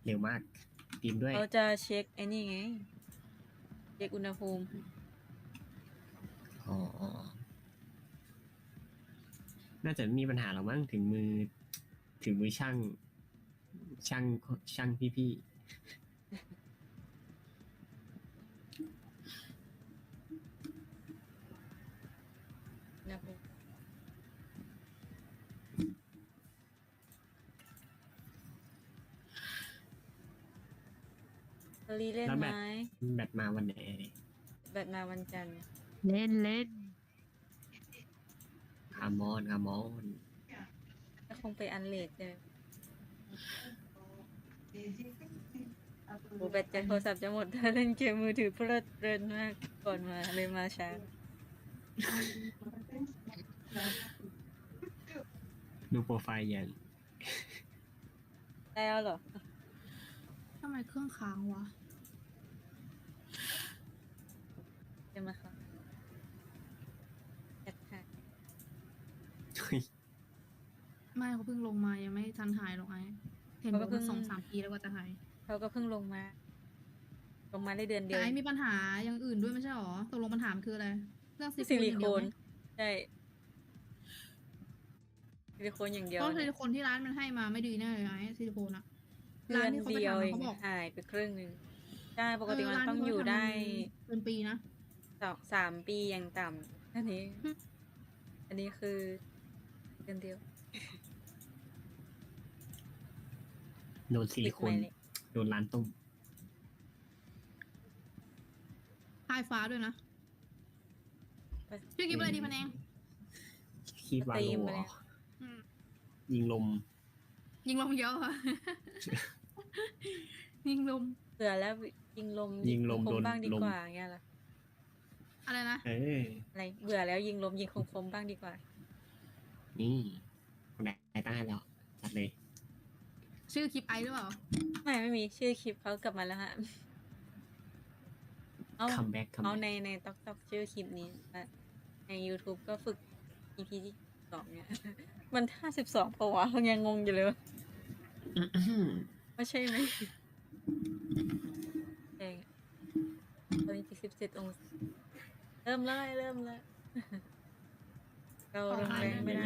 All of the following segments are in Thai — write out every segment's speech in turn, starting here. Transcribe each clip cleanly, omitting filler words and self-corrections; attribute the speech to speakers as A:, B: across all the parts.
A: เร็วมากตีมด้วย
B: เขาจะเช็คไอ้นี่ไงเช็คอุณหภูมิ
A: อ๋อน่าจะไม่มีปัญหาหรอกมั้งถึงมือช่างช่างพี่
B: อุณหภูมิรีเล่น
A: แล้ว
B: ไหม
A: แบตมาวันไหน
B: แบตมาวันจันทร์
C: เล่น
A: คามอน
B: ก็คงไปอันเลดเลยโอ้แบตจะโทรศัพท์จะหมดถ้าเล่นเกมมือถือเพลิดเพลินมากก่อนมาเลยมาช้า
A: ดูโปรไฟล์อย่าง
B: แล้วเหรอ
C: ทำไมเครื่องค้างวะ
B: ใช่ไหมคะแอดหาย
C: ไม่เขาเพิ่งลงมายังไม่ทันหายหรอกไอ้เห็นบอกว่า2-3 ปีแล้วก็จะหาย
B: เขาก็เพิ่งลงมาได้เดือนเดี
C: แต่
B: ยว
C: ไอ้มีปัญหาอย่างอื่นด้วยไม่ใช่หรอตกลงปัญหามันคืออะไรเรื่อง
B: ซิ
C: ซิ
B: ลิ
C: ลิ
B: โค
C: โคน น
B: ใช่ซิลิโคนอย่างเดียว
C: เพราะซิ
B: เนี่ย
C: ลิโคนที่ร้านมันให้มาไม่ดีแน่เลยไอ้ซิลิโคนอะ
B: เดื
C: ร้า
B: อน น
C: ที่เขาไป
B: เดียว
C: ทำ
B: เอ
C: อะ
B: ง
C: เขาบอก
B: หายไปครึ่งหนึ่งใช่ปกติมัน
C: ร้าน
B: ต้อง
C: ที่
B: อยู่
C: เขาทำ
B: ได้
C: เป็นปีนะ
B: 3 ปีอย่างต่ำอันนี้คือเดือนเดียว
A: โดนซิลิโคน
B: ติดไหมเนี่ย
A: โดนร้านต้ม
C: พายฟ้าด้วยนะชื่อคลิปอะไรดีพันเอง
A: คีบวา
B: ตี
A: โล
B: มไป
A: เหร
B: แล้
A: อ
B: ว
A: ยิงลม
C: ยิงลมเยอะ อะ ยิงลม
B: เผื่อแล้วยิงลม ค
A: โด
B: ม
A: น
B: ๆบ้างดี
A: ลม
B: กว่าอย่างเงี้ยเหรอ
C: อะไรนะ
B: อะไรเบื่อแล้วยิงลมยิงคมๆบ้างดีกว่า
A: นี่คนไหนตั้งให้แล้วจัดเลย
C: ชื่อคลิปไอหรือเปล่า
B: ไม่มีชื่อคลิปเขากลับมาแล้วฮะเอา
A: คัมแบ็ก
B: เอาในต๊อกชื่อคลิปนี้ใน YouTube ก็ฝึก EP ที่2เนี่ย มัน52ปะวะยังงงอยู่เลยว่าใช่ไหมแดงตอนนี้17 องศาเริ่มเลยเราลงแรงไม่ได้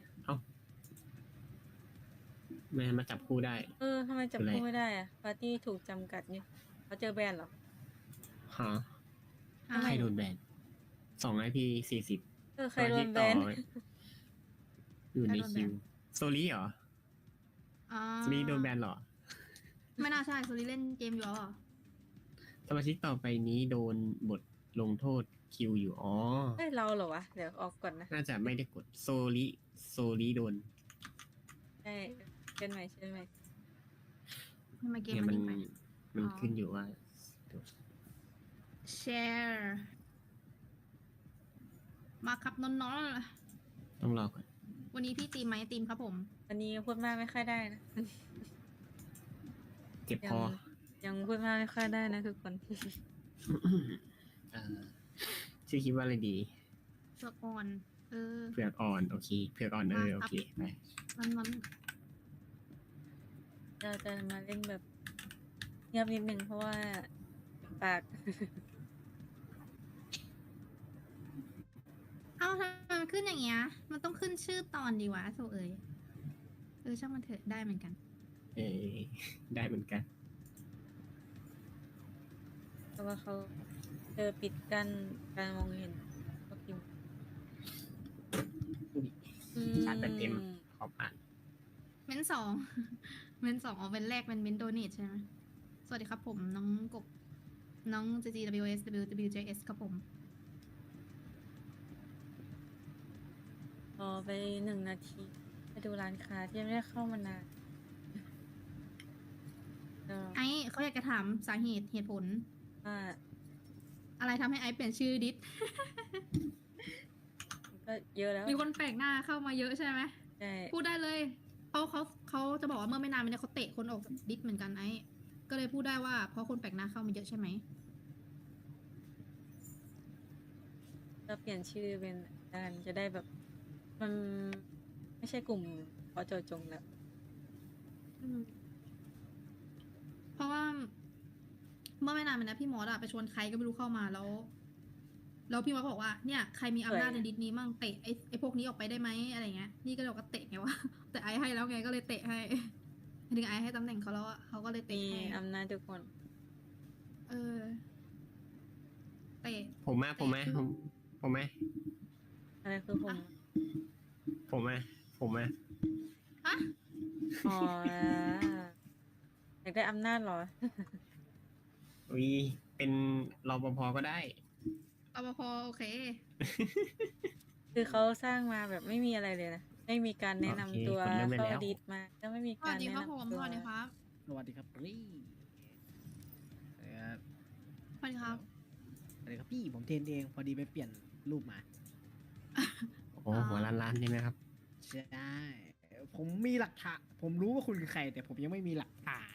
A: แม่มาจับคู่ได้
B: ทำไมจับคู่ไม่ได้อะปาร์ตี้ถูกจำกัดเนี่ยเขาเจอแบนเหรอ
A: ฮะ
C: อ้าว
A: ใครโดนแบน2 IP 40
B: ใครโดนแบน
A: อยู่ในคิวโซลี่เหรอ
C: อ่า
A: โซลี่โดนแบนเหรอ
C: ไม่น่าใช่โซลี่เล่นเกมอยู่แล้วเหรอ
A: สมาชิกต่อไปนี้โดนบทลงโทษคิวอยู่อ๋อ
B: เราเหรอวะเดี๋ยวออกก่อนนะ
A: น่าจะไม่ได้กดโซลี่โดน
B: ใช่เช่นใหม่
C: ทำไมเกม
A: เนี่ย
C: มัน
A: มัน
C: นิ่งไป
A: มันขึ้นอยู่ว่า
C: แชร์มาครับน้อง
A: ต้องรอก่อน
C: ๆวันนี้พี่ตีมไหมตีมครับผม
B: วันนี้พูดมากไม่ค่อยได้นะ
A: เจ็บคอ
B: ยังพูดมากไม่ค่อยได้นะทุกคน
A: เอ่อชื่อคิดว่าอะไรดี
C: เชือกอ่อน
A: เผือกอ่อน โอเค เผือกอ่อนโอเคไป
C: มัน
B: เราจะมาเล่นแบบเงียบนิดนึงเพราะว่าปาก
C: เอ้าทำไมมันขึ้นอย่างเงี้ย มันต้องขึ้นชื่อตอนดีวะโซเอยช่างมันเถอะได้เหมือนกัน
A: เออได้เหมือนกัน
B: เพราะว่าเขาเจอปิดกั้นการมองเห็นก็พิมพ์
A: ชาร์จแบตเต็มขอบอ่าน
C: เม้นสอง เม้นสองเอาเป็นแรกเป็นเม้นโดเนทใช่ไหมสวัสดีครับผมน้องกบน้อง GGWS WWJS ครับผม
B: รอไป1 นาทีไปดูร้านค้าที่ยังไม่ได้เข้ามานานก็
C: ไอซ์เขาอยากจะถามสาเหตุผล
B: ว่า
C: อะไรทำให้ไอซ์เปลี่ยนชื่อดิส
B: ก็เยอะแล้ว
C: มีคนแปลกหน้าเข้ามาเยอะใช่ไหม
B: ใช่
C: พูดได้เลยเขาจะบอกว่าเมื่อไม่นานมานี้เขาเตะคนออกจากดิสเหมือนกันไอซ์ก็เลยพูดได้ว่าเพราะคนแปลกหน้าเข้ามาเยอะใช่ไหม
B: ก็เปลี่ยนชื่อเป็นการจะได้แบบ มันไม่ใช่กลุ่มพอโจจงแล้ว
C: เมื่อไม่นานมานี้พี่มอสอะไปชวนใครก็ไม่รู้เข้ามาแล้วพี่มอสก็บอกว่าเนี่ยใครมีอำนาจในดิสนี้มั่งเตะไอ้พวกนี้ออกไปได้ไหมอะไรเงี้ยนี่ก็เลยบอกว่าเตะไงวะ แต่ไอให้แล้วไงก็เลยเตะให้ ถึงไอให้ตำแหน่งเขาแล้วอะเขาก็เลย
B: มี
C: เตะให้
B: อำนาจทุกคน
C: เออเตะ
A: ผมมาผมมาผมมา
B: อะไรคือผม
A: ผมมาผมมา
C: ฮะ
B: อ๋ออยากได้อำนาจเหรอ
A: อุ้ยเป็นรปภก็ได้
C: รปภโอเค
B: คือเขาสร้างมาแบบไม่มีอะไรเลยนะ ไม่มีการแนะนำตัว
A: โอเคผมเริ่มได้
B: เข้า
A: แล้ว
B: ดีดมาก็ไม่มี
C: ส
B: กา
C: วั
B: ร
C: สดี
B: แนะครับ
C: ผม
B: นำ
C: ส
B: ตัว
C: วัสดีครับ
D: สวัสดีครับพี่ครับ
C: สวัสดีครับ
D: สวัสดีครับพี่ผมเทรนเองพอดีไปเปลี่ยนรูปมา
A: โอ้โหหัวล้านๆใช่ไหมครับ
D: ใช่ผมมีหลักฐานผมรู้ว่าคุณคือใคร แต่ผมยังไม่มีหลักฐาน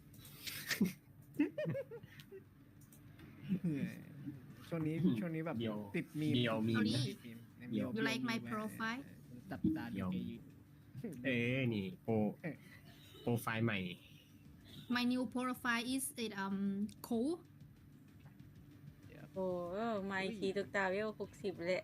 D: ช่วงนี้แบบ
A: เดี๋ยว
D: ติดมีม
A: เดี๋ยวมีม
C: เอาดิ
D: ติดมีม
A: เดี๋ยว
C: You like my profile
D: จับตา
A: เดี๋
D: ดู
A: ยว
D: ไอ้
A: นี่โปรไฟล์ใหม่
C: My new profile is it cool
B: โอ้มาอีกทีตุกตาเวล60เลย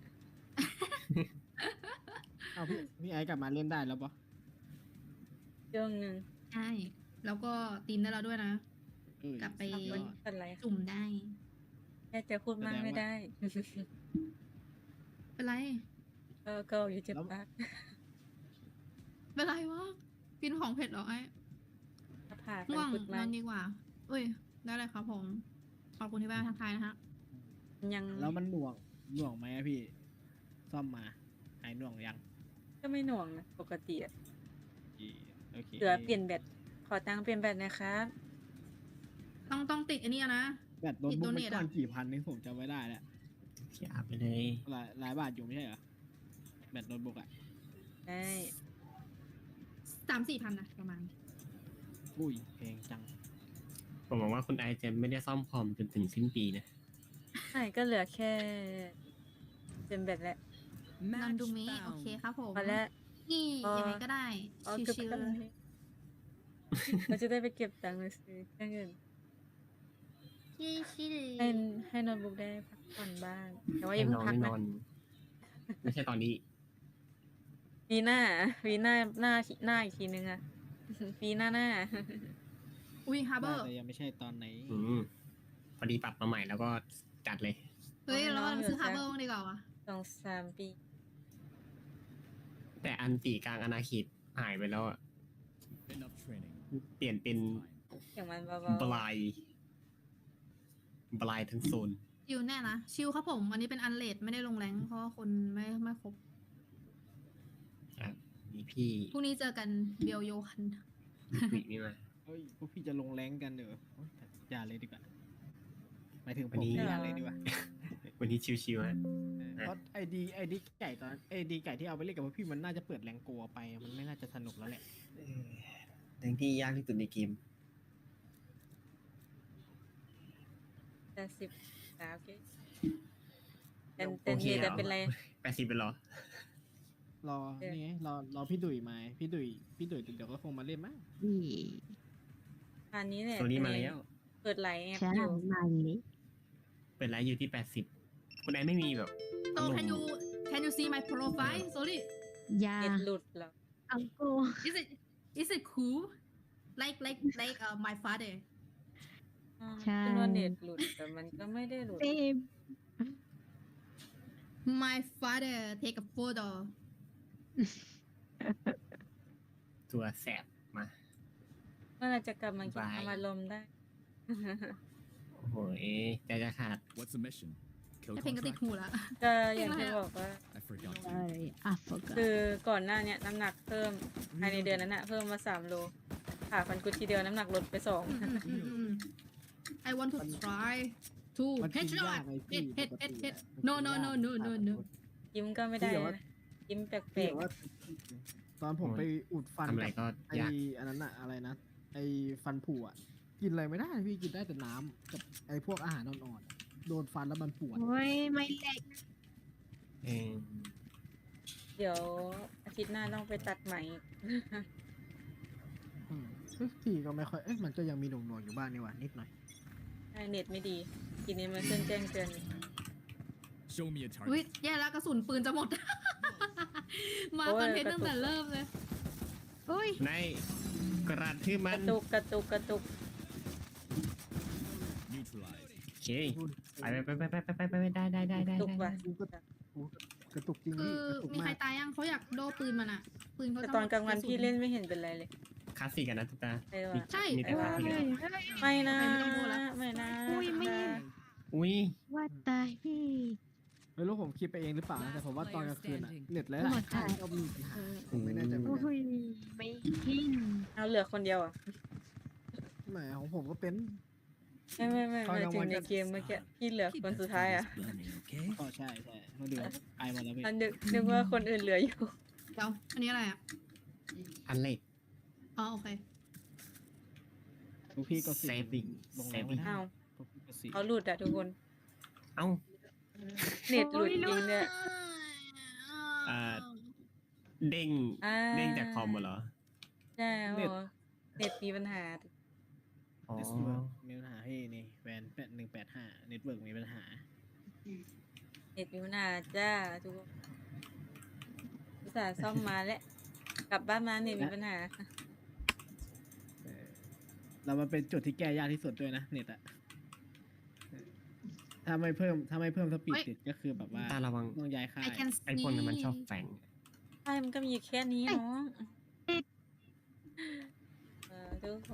D: เอาพี่ไอ้กลับมาเล่นได้แล้วปะ
B: ช่วงหนึ่ง
C: ใช่ แล้วก็ตีมได้แล้วด้วยนะ กลับไป
B: มันเป็นไร
C: จุ่มได้
B: แค่จะพูดมากไม่ได้
C: เป็นไร
B: ก็อยู่เจ็บปาก
C: เป็นไรวะ กินของเผ็ดเหรอไอ้
B: ผ่ากั
C: ง่วง
B: นฝึก
C: น
B: มา
C: อนดีกว่าเอ้ย ได้เลยครับผม ขอบคุณที่แวะมาทักทายนะฮะ
B: ยัง
D: แล้วมันหน่วงไหมอะพี่ ซ่อมมาหายหน่วงยัง
B: ก็ไม่หน่วงนะปกติอะ
D: โอเค
B: เหลือเปลี่ยนแบตขอตังค์เปลี่ยนแบตนะครับ
C: ต้องติดอันนี้อะนะ
D: แบตโน้ตบุ๊ก
C: ติด
D: มัน
C: donate
D: ก่อน
C: อะ
D: กี่พันนี่ผมจำไม่ได้แล้ว
A: อย่าไปเลย
D: หลายบาทอยู่ไม่ใช่เหรอ แบตโน้ตบุ๊กอะ
B: ได้
C: 3-4 พันนะประมาณ
D: อุ้ยแพงจัง
A: ผมหวังว่าคุณไอจะไม่ได้ซ่อมคอมจนถึงสิ้นปีนะ
B: ใช่ก็เหลือแค่เปลี่ยนแบตแล้ว
C: นอนดูมิโอเคครับผม
B: พอแล้ว
C: นี่
B: อ๋อ
C: ยังไงก็ได้
B: อ๋อเกือบ
C: ชิว
B: ไปเลยเราจะได้ไปเก็บตังค์มาซื้อเครื่องอื่น
C: ๆชิว
B: ให้โน้ตบุ๊กได้พักผ่อนบ้าง แต่ว่าอย่า
A: ให้
B: เพิ่
A: น
B: ง พักนะ
A: อนไม่นอน ไม่ใช่ตอนนี้
B: ปีหน้าหน้าอีกทีนึงอะปีหน้า
C: ๆอุ้ยฮาร์เบอร์
D: แต่ยังไม่ใช่ตอนไหน
A: พอดีปรับมาใหม่แล้วก็จัดเลย
C: เฮ้ยเรามาซื้อฮาร์เบอร์บ้างดีกว่าวะ
B: 2-3 ปี
A: แต่อันตีกลางอนาเขตหายไปแล้วอะ
E: Enough training.
A: เปลี่ยนเป็น
B: อย่างมันเบา
A: บลายบลายทั้งโซน
C: ชิวแน่นะ ชิวครับผม อันนี้เป็นอันเลดไม่ได้ลงแรงเพราะว่าคนไม่ครบ
A: นี่พี่
C: พรุ่งนี้เจอกันเบียวโยคัน
A: วินี่มา
D: เฮ้ย พวกพี่จะลงแรงกันเด้อโอ๊ยอย่าเลยดีกว่าหมายถึงผ
A: วัน
D: ม
A: นี้
D: อย่าเลยดีกว่า
A: วันนี้ชิวๆฮะ
D: เพราะไอดีไก่ที่เอาไปเล่นกับพวกพี่มันน่าจะเปิดแรงโกลัวไป มันไม่น่าจะสนุกแล้วแหละ
A: เรื่องที่ยากที่สุดในเกม
B: ๆแต่10โอเคแต่นี่แต่เป็นไร
A: 80เป็นเหรอ
D: รอ นี่ไง รอพี่ดุยมา พี่ดุยเดี๋ยวก็คงมาเล่นมั้ง
B: อันนี้แหละ
A: ตัวนี้มาแล้ว
B: เปิดไหลแอป
F: ใช่
B: อยู่
F: มาอย่างนี้
A: เป็นไลฟ์อยู่ที่ 80 คุณไอไม่มีแบบ
C: So can you see my profile sorry
F: ยา
B: เน็ตหลุดเหรอ
F: อังโก
C: is it cool like my father
F: ใช่
B: คือว่าเน็ตหลุดแต่มันก็ไม่ได้หลุด
F: เฟม
C: my father take a photo
A: ตัวแสบมา
B: เมื่อไหรจะกลับมากิน
A: บาย
B: อารมณ์ได้
A: โอ้โหใจจะขาด
E: What's the mission? Kill
C: แต่เพลงก็ติด
E: contract?
C: หูละ
B: ก็อย่างที่บอกว่า
E: I forgot.
F: ใช่อ่ะโฟกัส
B: คือก่อนหน้าเนี้ยน้ำหนักเพิ่มภายในเดือนนั้นอะเพิ่มมา3 โลผ่าฟันกุดทีเดียวน้ำหนักลดไป
C: I want to try to
D: มันกิน
C: headshot
D: ยากไงพี่
C: head
D: ปกติ
C: head
D: อะ
C: no no no no no no
B: 2 ยิ้มก็ไม่ได้
D: เดี๋ยวว่า
B: นะยิ้มแปล
D: พี่
B: ก
D: บอกว่าตอนผมไปอุดฟัน
A: ทำอะไร
D: กับ
A: ก็
D: ไอย
A: าก
D: อันนั้นอะอะไรนะ ไอฟันผุอะกินอะไรไม่ได้พี่กินได้แต่น้ำกับไอพวกอาหารอ่อนๆโดนฟันแล้วมันปวด
F: โอ้ยไม่แหลก
A: เออ
B: ๆ เดี๋ยวอาทิตย์หน้าต้องไปตัดไหม
D: อืมเอ้ยพี่ก็ไม่ค่อย เอ๊ะมันก็ยังมีหน่วงๆอยู่บ้างนี่หว่านิดหน่อย
B: เน็ตไม่ดี ทีนี้มันขึ้นแจ้งเตือน
E: Show me a
C: อุ้ย
E: target.
C: แย่แล้วกระสุนปืนจะหมด มา
B: โอ้ย
C: คอนเทนต์
B: กระตุก
C: ตั้งแต่เริ่มเลย
F: อุ้ย
A: ในกระทืบ
B: ก
A: มัน
B: ระตุกกระตุกกระตุก
E: Neutralized.
A: โอเคไปได้
B: ตุกว่ะ
D: กระตุกจริง
C: คื
D: พี่
C: อก
D: ระตุก
C: มีใคร
D: มาก
C: ตายยังเขาอยากโดปืนมันอะปืนเขา
B: แต่
C: จะ
B: ตอนกลางวัน
C: ระสุ
B: พี่เล่นไม่เห็นเป็นไรเลย
A: คลาสสิกกันนะทุกตา
B: ใช่ว่ะ
C: ใช่
A: มีแต่
F: เฮ้
A: ภาพ
F: ย
A: เลย
B: ไม่นะ
C: ไม่ต้องพูดแล้ว
B: ไม่นะ
F: อุ้ยไม่
A: อุ้ย
F: ว่าตายพี่
D: ไม่รู้ผมคิดไปเองหรือเปล่านะแต่ผมว่าตอนกลางคืนอะเน็ตหลาย
F: หมด
D: ๆค่าย
F: ค่ะ
D: ก็มีปัญหาผมไม่แน่ใจเหมือนกัน
F: อุ้ยไม่กิน
B: เอาเหลือคนเดียวอ่ะ
D: แหมของผมก็เป็น
B: ไม่
D: ตอนกลาง
B: ถึ
D: วั
B: ง
D: น
B: ใน
D: ก็
B: เกมเมื่อกี้พี่เหลือคนสุดท้ายอ่ะ
D: ก็ใช่มาดูไอมาแล้วพี่
B: อันนึกว่าคนอื่นเหลืออยู่
C: เดี๋ยวอันนี้อะไรอะ
A: อันเล็ก
C: อ๋อโอเค
D: ลูกพี่ก็สิ
A: Saving
D: ลงแล้วไม่ได้
B: อ้าว
D: ลูกพี่ก็สิ
B: เขาหลุดอ่ะทุกคน
A: เอ้า
B: เน็ตหลุดจริงเนี่ย
A: อ่า เด้ง
B: อ่า
A: เด้งจากคอมเหรอ
B: ใช่โอ้โหเน็ตมีปัญหา
A: อ๋อ
D: เน็ตเวิร์กมีปัญหาให้นี่แวน185เน็ตเวิร์กมีปัญหา
B: เน็ตมีปัญหาจ้าทุกคนอุตส่าห์ซ่อมมาแล้วกลับบ้านมาเน็ตมีปัญหา
D: เรามาเป็นจุดที่แก้ยากที่สุดด้วยนะเน็ตอะถ้าไม่เพิ่มสปีดติดก็คือแบบว่า
A: ตาระวัง
D: ต้องย้ายค่าย
C: I can
A: ไอ้พวกนั้นมันชอบแฝง
B: ใช่มันก็มีอยู่แค่นี้เนาะทุกคน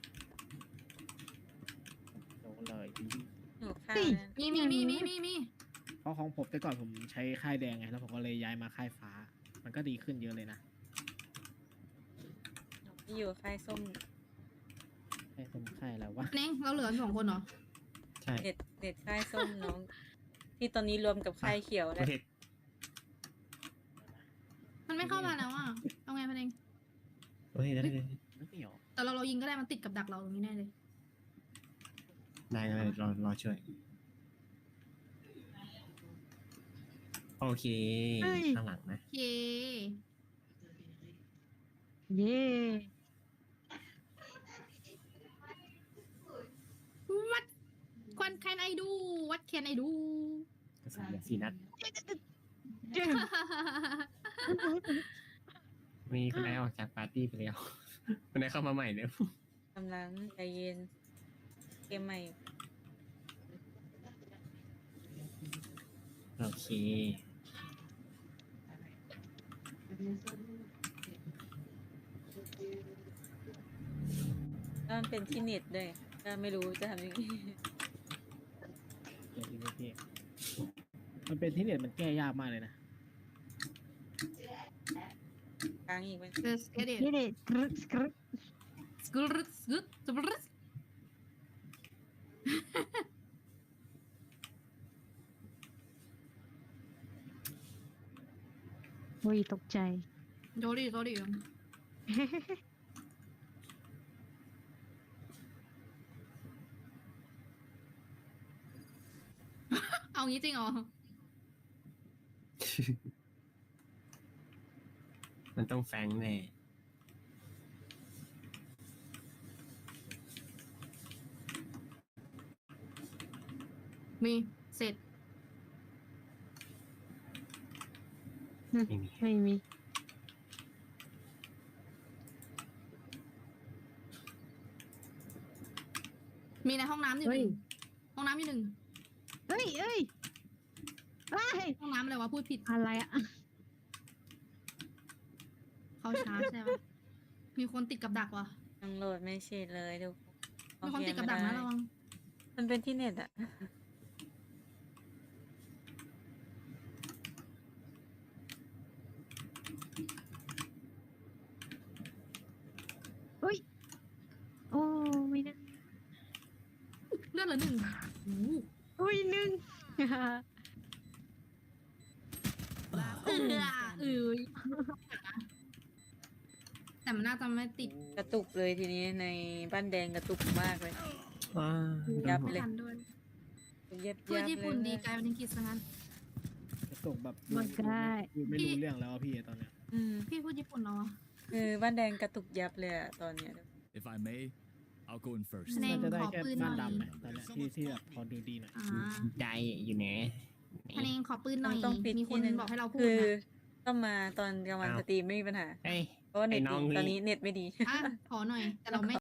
D: โดนเลย
B: หนูค่ะ
C: มี
D: เพราะของผมแต่ก่อนผมใช้ค่ายแดงไงแล้วผมก็เลยย้ายมาค่ายฟ้า มันก็ดีขึ้นเยอะเลยนะ
B: ที่อยู่ค่ายส้ม
D: ค่ายสมค่ายอะไรวะ
C: เน่งเราเหลือ2คนเหรอ
A: ใช่
B: เน็ตค่ายส้มน้อง ที่ตอนนี้รวมกับค่ายเขียว
A: ป
B: แล้ว
A: ระเทศ
C: มันไม่เข้ามาแล้วอะเอาไงพันเอง
A: ประเทศได้
D: ไม่เหนียว
C: แต่เรายิงก็ได้มันติดกับดักเราตรงนี้แน่เลย
A: เลยรอช่วย โอเค ข้างหลังนะ
C: โอเค
F: เย่
C: วัดควัน can I do what can I do
A: กระสุนเหลือ4 นัด มีคนไหนออกจากปาร์ตี้ไปแล้ว คนไหนเข้ามาใหม่เนี่ย
B: กำลังใจเย็น เกมใหม่
A: โอเค
B: แล้วมันเป็นที่เน็ตด้วยก็ไม่รู้จะทำยังไง
D: เดี๋ยวทีนี้พี่มันเป็นที่เน็ตมันแก้ยากมากเลยนะ
B: กลางอีกไหม
C: Let's get it
F: เย่เด็ดกรึ๊ดกรึ๊ด
C: good good good
F: อุ้ยตกใจ
C: sorry เอางี้จริงเหรอ
A: มันต้องแฟงแน่
C: มีเสร็จ
A: ไม่มี
F: ไม่มี
C: มีในห้องน้ำอยู่หนึ่งห้องน้ำอยู่หนึ่ง
F: เอ้ยเอ้ยเอ้ย
C: ห้องน้ำอะไรวะพูดผิด
F: อะไรอะ
C: เข้าช้าใช่ไหมมีคนติดกับดักว่ะ
B: ยังโหลดไม่เสร็จเลยทุก
C: มีคนติดกับดักนะระวัง
B: มันเป็นที่เน็ตอะ
F: อุ้ยโอ้ไม่นะ
C: เลือดเหลือหนึ่งโอ้โห
F: อุ้ยหนึ่ง
C: แต่มันน่าจะไม่ติด
B: กระตุกเลยทีนี้ในบ้านแดงกระตุกมากเลย ยับเลย
C: ทันด้วย
B: เย็บ
C: พูด
B: ยับ
C: ญี่
B: เล
C: ปุ่นดี
B: ย
C: กลายเป็นอังกฤษซะงั้น
D: กระตุกแบบ
F: มันได้
D: ไม่รู้เรื่องแล้วอะพี่ตอนเนี้ย
B: อืม
C: พี่พูดญี่ปุ่นเหรอวะ
B: คือบ้านแดงกระตุกยับเลยอะตอนเนี้ย
E: If I may, I'll go in first.
C: คะแนน
D: น่าจะได้
C: ขอ
D: แค่
C: ปืนห
D: บ้า
C: น่
D: น
C: อย
D: ดำอะตอนเนี้ยที่แบบพอดูดีหน่อย
C: อ่า
A: ใจอยู่ไหน
C: คะแนนขอปืนหน่อย
B: ต้องปิด
C: มีคน
B: ที่หนึ่ง
C: บอกให้เราพู
B: คื
C: ด
B: อ
C: นะ
B: ต้องมาตอนกลางวัน
A: อ้าว
B: สตรีมไม่มีปัญหา
A: เฮ้ย
B: เพราะว่าเน็ต
A: ไอ้น้อง
B: ตอน
A: นี่
B: นี้เน็ตไม่ดี
C: อ่ะขอหน่อย แต่เราไม่